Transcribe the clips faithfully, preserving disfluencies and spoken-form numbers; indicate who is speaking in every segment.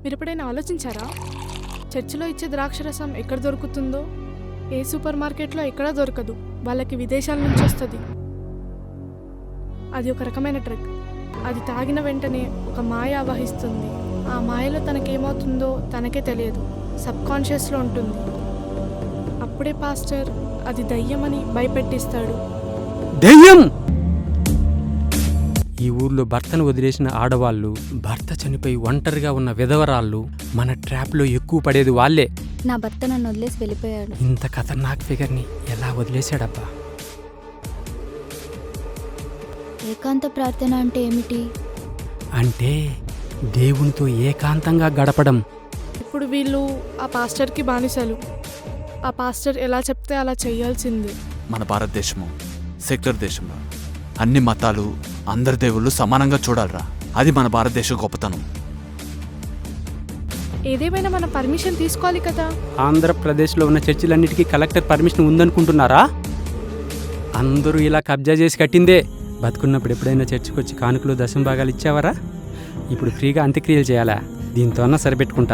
Speaker 1: మీరు ఎప్పుడైనా ఆలోచించారా? చర్చిలో ఇచ్చే ద్రాక్షరసం ఎక్కడ దొరుకుతుందో ఏ సూపర్ మార్కెట్లో ఎక్కడా దొరకదు. వాళ్ళకి విదేశాల నుంచి వస్తుంది. అది ఒక రకమైన డ్రగ్. అది తాగిన వెంటనే ఒక మాయ ఆవహిస్తుంది. ఆ మాయలో తనకేమవుతుందో తనకే తెలియదు, సబ్ కాన్షియస్లో ఉంటుంది. అప్పుడే పాస్టర్ అది దయ్యమని భయపెట్టిస్తాడు.
Speaker 2: దయ్యం! ఈ ఊర్లో భర్తను వదిలేసిన ఆడవాళ్ళు, భర్త చనిపోయి ఒంటరిగా ఉన్న విధవరాళ్ళు మన ట్రాప్లో ఎక్కువ పడేది వాళ్ళే.
Speaker 3: నా భర్త నన్ను వదిలేసి వెళ్ళిపోయాడు.
Speaker 2: ఇంత ఖతర్నాక్ ఫిగర్ని ఎలా వదిలేశాడబ్బా?
Speaker 3: ఏకాంత ప్రార్థన అంటే ఏమిటి?
Speaker 2: అంటే దేవునితో ఏకాంతంగా గడపడం.
Speaker 1: ఇప్పుడు వీళ్ళు ఆ పాస్టర్కి బానిసలు. ఆ పాస్టర్ ఎలా చెప్తే అలా చేయాల్సిందే.
Speaker 4: మన భారతదేశము సెక్యులర్ దేశంలో అన్ని మతాలు, అందరి దేవుళ్ళు సమానంగా చూడాలరా. అది మన భారతదేశ గొప్పతనం.
Speaker 1: ఏదేమైనా మనం పర్మిషన్ తీసుకోవాలి కదా.
Speaker 2: ఆంధ్రప్రదేశ్లో ఉన్న చర్చిలన్నిటికీ కలెక్టర్ పర్మిషన్ ఉందనుకుంటున్నారా? అందరూ ఇలా కబ్జా చేసి కట్టిందే. బతుకున్నప్పుడు ఎప్పుడైనా చర్చికి వచ్చి కానుకలు దశం భాగాలు ఇచ్చావరా? ఇప్పుడు ఫ్రీగా అంత్యక్రియలు చేయాలా? దీంతో అన్నా సరిపెట్టుకుంటా.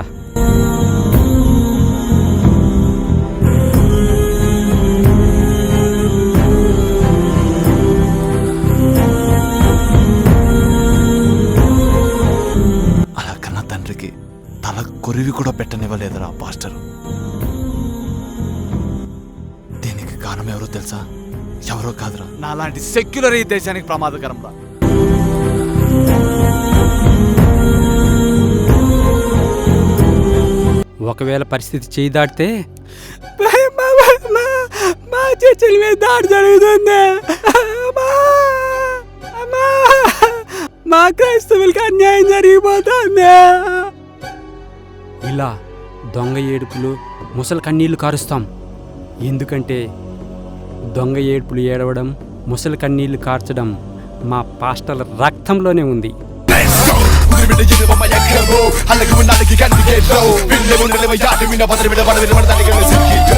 Speaker 4: అలా కన్నా తండ్రికి తల కొరివి కూడా పెట్టనివ్వలేదురా పాస్టర్. దీనికి కారణం ఎవరో తెలుసా? ఎవరో కాదురా, నాలాంటి సెక్యులర్ ఈ దేశానికి ప్రమాదకరం రా.
Speaker 2: ఒకవేళ పరిస్థితి చేయి దాటితే మా చర్చల మీద దాడి జరుగుతుంది, మా క్రైస్తవులకి అన్యాయం జరిగిపోతుంది. ఇలా దొంగ ఏడుపులు, ముసలి కన్నీళ్లు కారుస్తాం. ఎందుకంటే దొంగ ఏడుపులు ఏడవడం, ముసలి కన్నీళ్లు కార్చడం మా పాస్టర్ల రక్తంలోనే ఉంది.
Speaker 5: Alla come nada che canti che low Ville un leva yard mina padre veda vada veda vada